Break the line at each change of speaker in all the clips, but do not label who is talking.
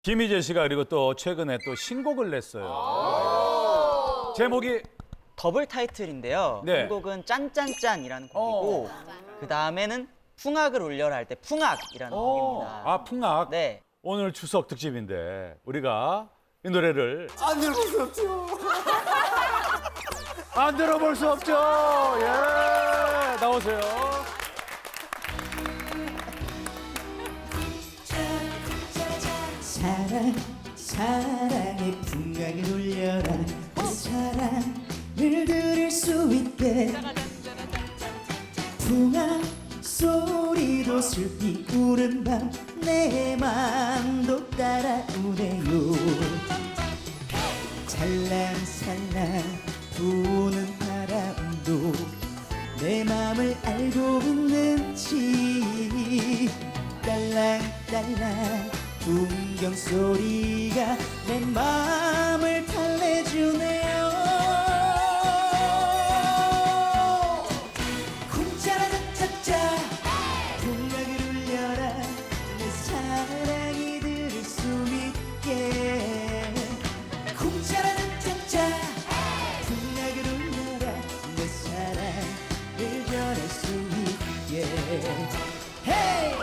김희재 씨가 그리고 또 최근에 또 신곡을 냈어요. 제목이
더블 타이틀인데요.
네.
한 곡은 짠짠짠이라는 곡이고 그 다음에는 풍악을 울려라 할 때 풍악이라는 곡입니다.
아 풍악.
네.
오늘 추석 특집인데 우리가 이 노래를
안 들어볼 수 없죠.
안 들어볼 수 없죠. 예, 나오세요.
사랑 사랑의 풍악을 울려라 그 사랑을 들을 수 있게 풍악 소리도 슬피 우는 밤 내 맘도 따라오네요 살랑살랑 부는 바람도 내 맘을 알고 있는지 딸랑딸랑 풍경 소리가 내 마음을 달래주네요 쿵짜라짜짜짜 풍악을 울려라 내 사랑이 들을 수 있게 쿵짜라짜짜짜 풍악을 울려라 내 사랑을 전할 수 있게 헤이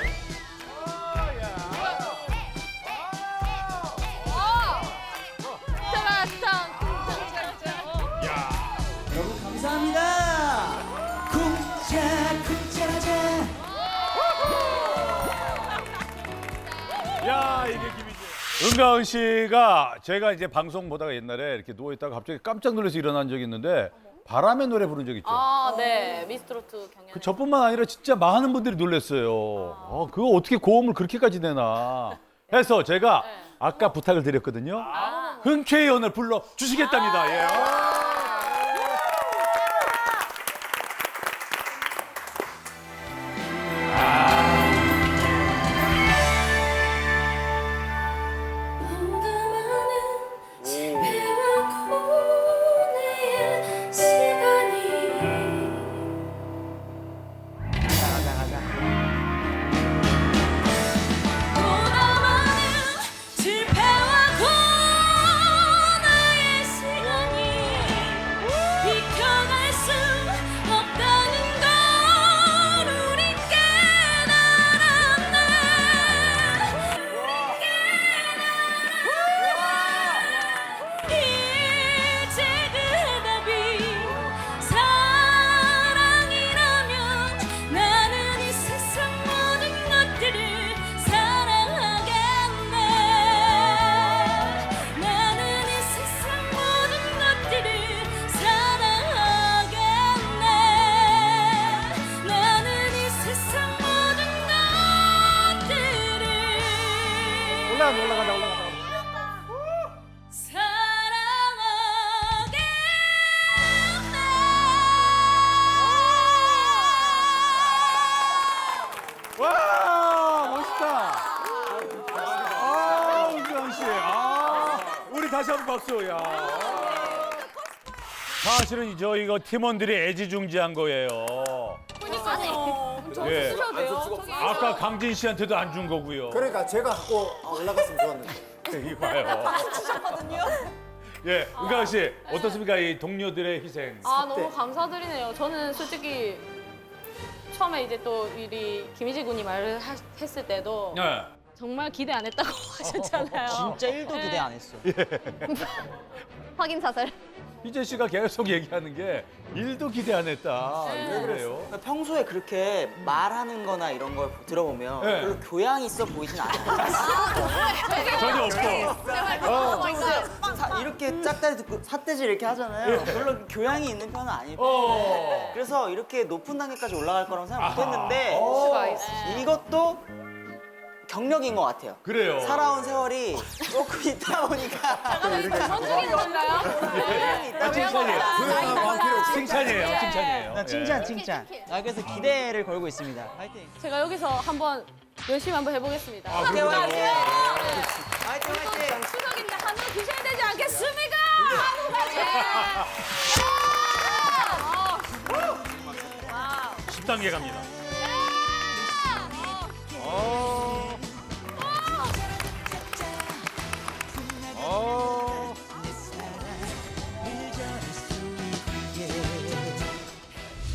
여러분 감사합니다. 쿵짜 쿵짜라자.
야 이게 김희재. 은가은 씨가 제가 이제 방송 보다가 옛날에 이렇게 누워 있다가 갑자기 깜짝 놀라서 일어난 적이 있는데 바람의 노래 부른 적 있죠.
아, 네. 미스트로트 경연.
그 저뿐만 아니라 진짜 많은 분들이 놀랐어요. 그거 어떻게 고음을 그렇게까지 내나 해서 제가 아까 부탁을 드렸거든요. 흔쾌히 오늘 불러 주시겠답니다. 예. 올라간다. 와 멋있다. 아 은경 씨. 우리 다시 한번 박수. 야. 사실은 저희가 팀원들이 애지중지한 거예요.
그러니까요. 저
예.
쓰셔도 돼요. 저기.
아까 강진 씨한테도 안 준 거고요.
그러니까 제가 갖고 올라갔으면 좋았는데.
이봐요. 예, 은가은 씨 어떻습니까 이 동료들의 희생?
아, 너무 감사드리네요. 저는 솔직히 처음에 이제 또 우리 김희재 군이 말을 했을 때도
네.
정말 기대 안 했다고 하셨잖아요.
진짜 1도 기대 안 했어.
확인 사살.
희재 씨가 계속 얘기하는 게 일도 기대 안 했다. 왜 그래요?
그러니까 평소에 그렇게 말하는 거나 이런 걸 들어보면
네.
별로 교양이 있어 보이진 않아요.
전혀 없고.
이렇게 짝다리 듣고 삿대질 이렇게 하잖아요. 별로 교양이 있는 편은 아니고
어.
그래서 이렇게 높은 단계까지 올라갈 거라고 생각 못 했는데
수가 있어.
이것도 경력인 것 같아요.
그래요.
살아온 세월이 조금 있다 보니까
그런 중인 건가요?
교양이 있다 보니까
칭찬이에요.
교양한 필요 없어.
칭찬이에요. 칭찬이에요.
나 칭찬. 그래서 기대를 걸고 있습니다. 파이팅.
제가 여기서 한번 열심히 한번 해보겠습니다.
화이팅 화이팅. 화이팅
또
화이팅.
추석인데 한우 드셔야 되지 않겠습니까? 한우까지.
10단계 갑니다.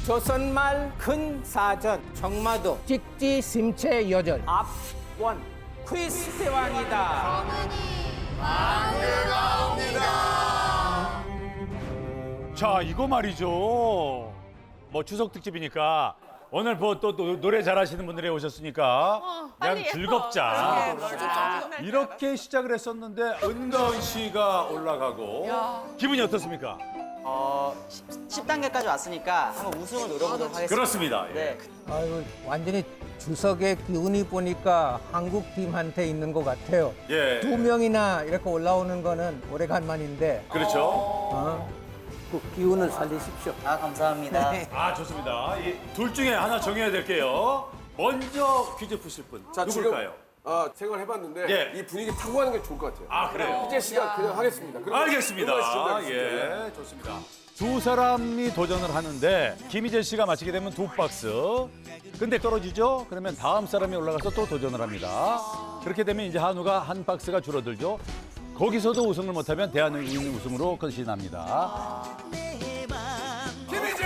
조선말 큰 사전 정마도 직지 심체 여절 앞원 퀴즈 대왕이다.
자, 이거 말이죠. 뭐 추석 특집이니까 오늘 뭐 또 노래 잘하시는 분들이 오셨으니까 그냥 즐겁자. 이렇게 시작을 했었는데 은가은 씨가 올라가고 기분이 어떻습니까?
10단계까지 왔으니까 한번 우승을 노려보도록 하겠습니다.
그렇습니다. 예.
네.
아유, 완전히 추석의 기운이 보니까 한국 팀한테 있는 것 같아요.
예.
2명이나 이렇게 올라오는 거는 오래간만인데
그렇죠.
그 기운을 살리십시오.
아, 감사합니다.
아, 좋습니다. 이 둘 중에 하나 정해야 될게요. 먼저 퀴즈 푸실 분
자,
누굴까요?
생각해봤는데
예.
이 분위기 타고 가는 게 좋을 것 같아요.
아, 그래요?
희재 씨가 그냥 하겠습니다. 그리고
알겠습니다.
음악 씨 준비하겠습니다.
예, 좋습니다. 두 사람이 도전을 하는데 김희재 씨가 마치게 되면 2박스. 근데 떨어지죠? 그러면 다음 사람이 올라가서 또 도전을 합니다. 그렇게 되면 이제 한우가 한 박스가 줄어들죠. 거기서도 우승을 못하면 대한민국 우승으로 끝이납니다.
김희재!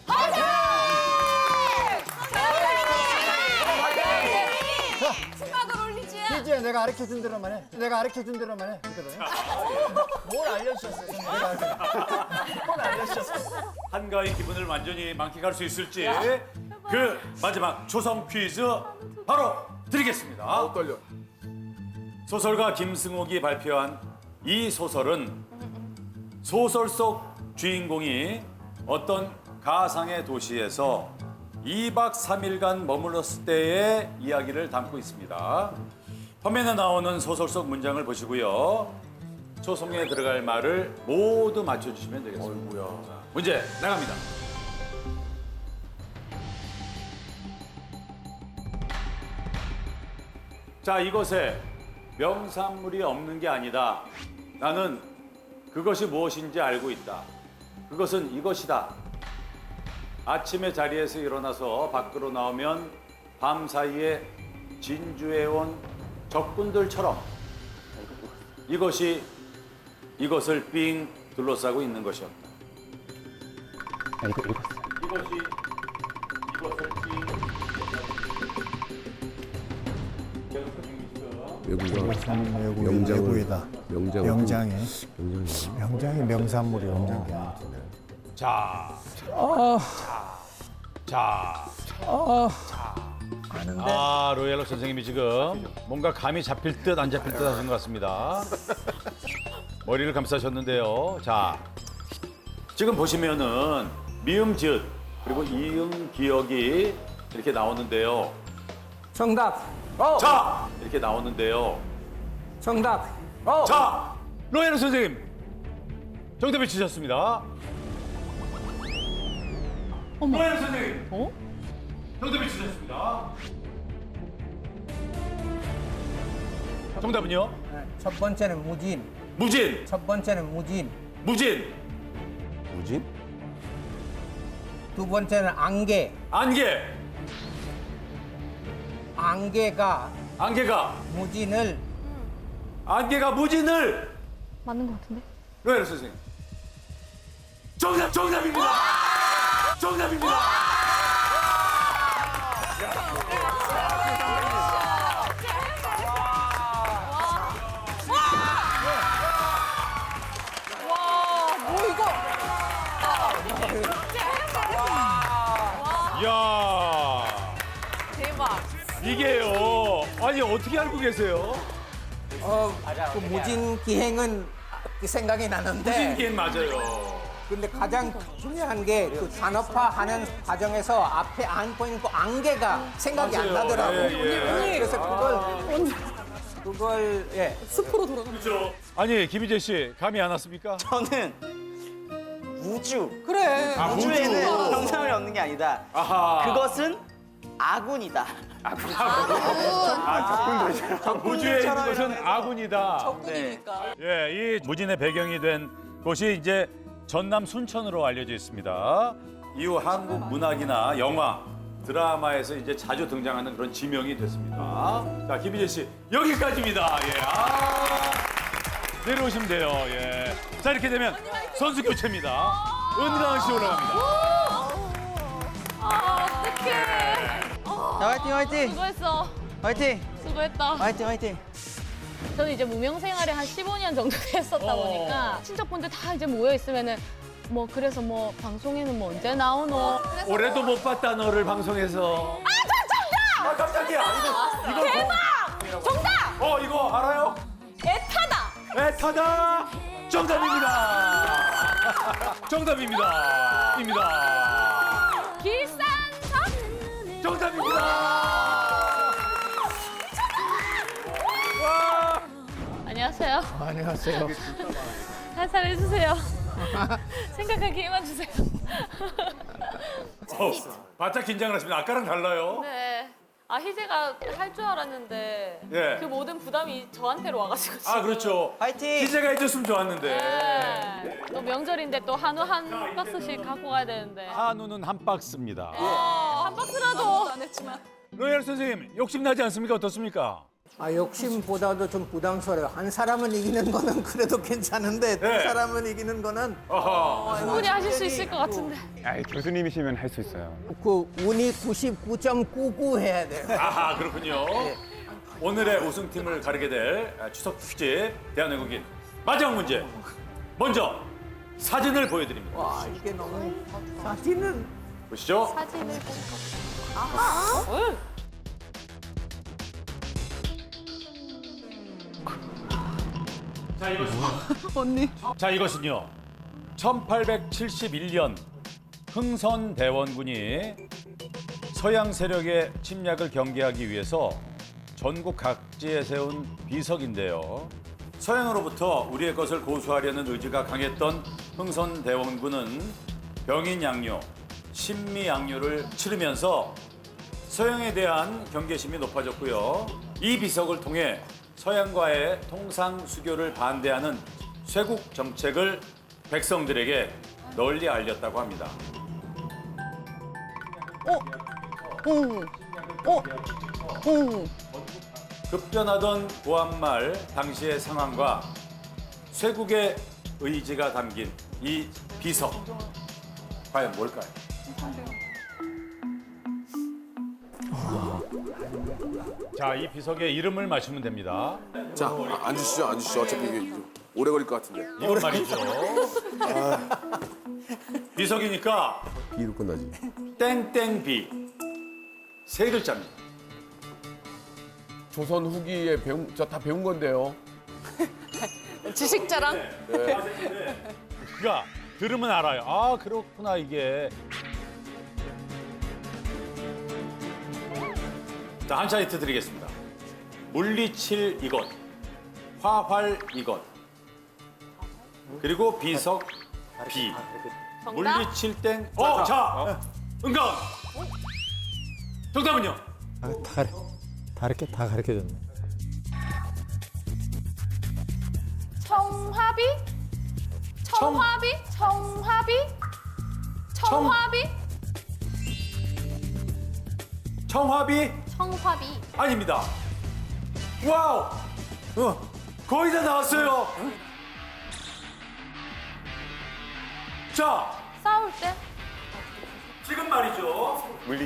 희지야, 내가 가르쳐준 대로만 해. 내가 가르쳐준 대로만 해. 뭘 알려주셨어요? 뭘 알려주셨어요?
한가위 기분을 완전히 만끽할 수 있을지 그 마지막 초성 퀴즈 바로 드리겠습니다.
떨려.
소설가 김승옥이 발표한 이 소설은 소설 속 주인공이 어떤 가상의 도시에서 2박 3일간 머물렀을 때의 이야기를 담고 있습니다. 화면에 나오는 소설 속 문장을 보시고요. 초성에 들어갈 말을 모두 맞춰주시면 되겠습니다. 문제 나갑니다. 자, 이곳에 명산물이 없는 게 아니다. 나는 그것이 무엇인지 알고 있다. 그것은 이것이다. 아침에 자리에서 일어나서 밖으로 나오면 밤 사이에 진주해온 적군들처럼 이것을 삥 둘러싸고 있는 것이었다. 이것을
외국이다. 명장이 명산물이 명장이
자, 로얄로 선생님이 지금 뭔가 감이 잡힐 듯 안 잡힐 듯 하신 것 같습니다. 머리를 감싸셨는데요. 자, 지금 보시면은 미음, 지읒 그리고 이응, 기억이 이렇게 나오는데요.
정답.
자, 이렇게 나오는데요.
정답.
자, 로얄로 선생님 정답을 치셨습니다. 로얄로 선생님. 정답을 치셨습니다. 정답은요?
첫 번째는 무진.
무진.
첫 번째는 무진.
무진.
두 번째는 안개.
안개.
안개가
안개가
무진을
맞는 것 같은데?
로얄로 선생님. 정답입니다. 정답입니다. 이야,
대박.
이게요. 아니 어떻게 알고 계세요?
그 무진 기행은 생각이 나는데
무진기엔 맞아요.
근데 가장 중요한 게 그 산업화하는 과정에서 앞에 안 보이는 그 안개가 생각이 안
맞아요.
나더라고.
예.
그래서 그걸 예.
그렇죠. 아니 김희재 씨 감이 안 왔습니까?
저는 우주.
그래.
우주에는 명산물이 없는 게 아니다.
아하.
그것은 아군이다.
우주에 있는 것은 아군이다.
네.
예, 이 무진의 배경이 된 곳이 이제 전남 순천으로 알려져 있습니다. 이후 한국 문학이나 영화, 드라마에서 이제 자주 등장하는 그런 지명이 됐습니다. 자, 김희재 씨 여기까지입니다. 예, 내려오시면 돼요. 예. 자, 이렇게 되면 선수 교체입니다. 은가은 씨 올라갑니다.
어떡해.
자, 화이팅, 화이팅!
수고했어.
화이팅!
수고했다.
화이팅, 화이팅!
저는 이제 무명 생활에 한 15년 정도 했었다 보니까 친척분들 다 이제 모여 있으면은 뭐 그래서 뭐 방송에는 뭐 언제 나오노?
올해도 못 봤다 너를 방송에서. 아 깜짝이야. 이거
대박! 정답!
이거 알아요?
애타다.
애타다. 정답입니다. 정답입니다. 입니다.
길산선.
정답입니다. 와.
안녕하세요.
안녕하세요.
살살 해주세요. 생각할 기회만 주세요.
바짝 긴장을 하십니다. 아까랑 달라요.
네. 아 희재가 할 줄 알았는데
예.
그 모든 부담이 저한테로 와가지고 지금.
아 그렇죠.
화이팅!
기재가 해줬으면 좋았는데.
네. 또 명절인데 또 한우 한 박스씩 갖고 가야 되는데.
한우는 한 박스입니다.
한 박스라도.
로얄 선생님 욕심 나지 않습니까? 어떻습니까?
욕심보다도 좀 부담스러워요. 한 사람은 이기는 거는 그래도 괜찮은데 두
네.
사람은 이기는 거는
어허.
충분히 하실 수 있을 것 같은데.
교수님이시면 할 수 있어요.
그 운이 99.99 해야 돼요.
아하 그렇군요. 오늘의 우승팀을 가르게 될 추석 특집 대한외국인 마지막 문제. 먼저 사진을 보여드립니다.
와 이게 너무 사진은
보시죠.
사진을 보고.
자 이것은요. 자 이것은요. 1871년 흥선대원군이 서양 세력의 침략을 경계하기 위해서 전국 각지에 세운 비석인데요. 서양으로부터 우리의 것을 고수하려는 의지가 강했던 흥선대원군은 병인양요, 신미양요를 치르면서 서양에 대한 경계심이 높아졌고요. 이 비석을 통해 서양과의 통상수교를 반대하는 쇄국 정책을 백성들에게 널리 알렸다고 합니다. 급변하던 고한말 당시의 상황과 쇄국의 의지가 담긴 이 비석. 과연 뭘까요? 자, 이 비석의 이름을 맞추면 됩니다.
자, 앉으시죠. 어차피 이게 오래 걸릴 것 같은데.
이건 말이죠. 비석이니까
B로 끝나지.
땡땡비. 세 글자입니다.
조선 후기에 저 다 배운 건데요.
지식자랑.
그러니까 들으면 알아요. 아, 그렇구나 이게. 자, 한 차례 드리겠습니다. 물리칠 이것, 화활 이것, 그리고 비석 비.
정답.
물리칠 땡. 자, 은강. 정답은요?
다 가르쳐줬네.
청화비? 청화비? 청화비? 청화비?
청화비?
청화비.
아닙니다. 와우! 거의 다 나왔어요. 자,
싸울 때?
지금 말이죠.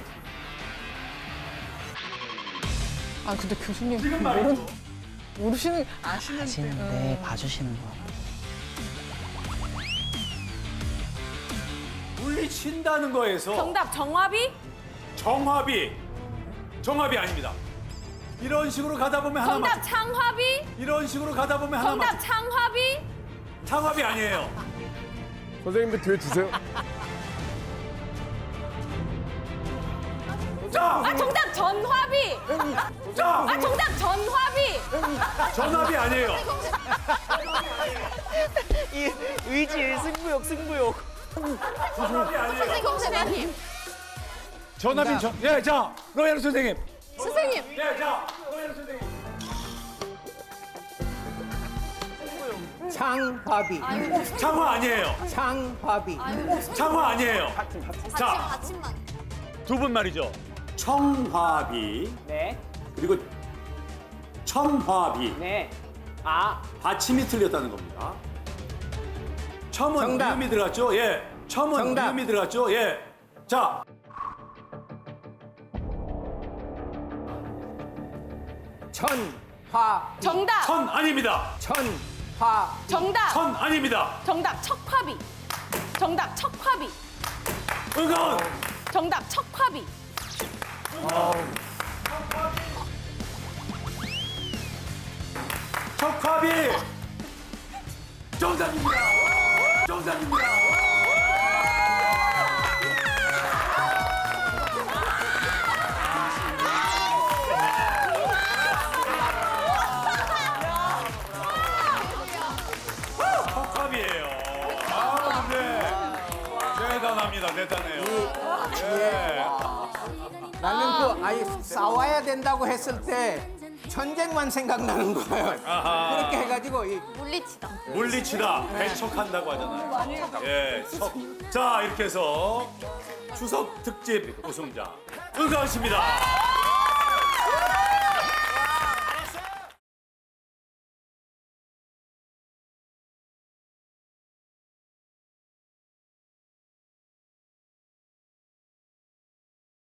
아 근데 교수님
지금 말이죠.
아시는데 봐주시는 거 같아요.
물리친다는 거에서
정답 정화비?
정합이 아닙니다. 이런 식으로 가다 보면 하나
정답
맞.
창화비?
이런 식으로 가다 보면 하나
정답
맞.
창화비?
창합이 아니에요.
선생님도 뒤에 주세요.
자,
정답 전화비?
자,
정답 전화비?
전합이 아니에요.
이 의지, 승부욕.
전합이 아니에요.
선생님.
전합인 예, 자, 로얄 선생님.
선생님.
예, 자, 로얄 선생님.
창화비.
창화 아니에요.
창화비.
창화 아니에요. 자, 두 분 말이죠. 청화비.
네.
그리고 첨화비.
네.
받침이 틀렸다는 겁니다. 첨은
정답.
미음이 들어갔죠? 예. 첨은
정답.
미음이 들어갔죠? 예. 자.
전화
정답.
천 아닙니다.
전화
정답.
천 아닙니다.
정답. 척화비. 정답. 척화비.
은가은.
정답. 척화비.
척화비. 정답입니다. 정답입니다. 척화비예요. 아, 네. 대단합니다. 대단해요. 네.
나는 그 아예 싸워야 된다고 했을 때 전쟁만 생각나는 거예요.
아하.
그렇게 해가지고 이
물리치다.
물리치다, 배척한다고 하잖아요. 예, 척. 자, 이렇게 해서 추석 특집 우승자 은가은 씨입니다.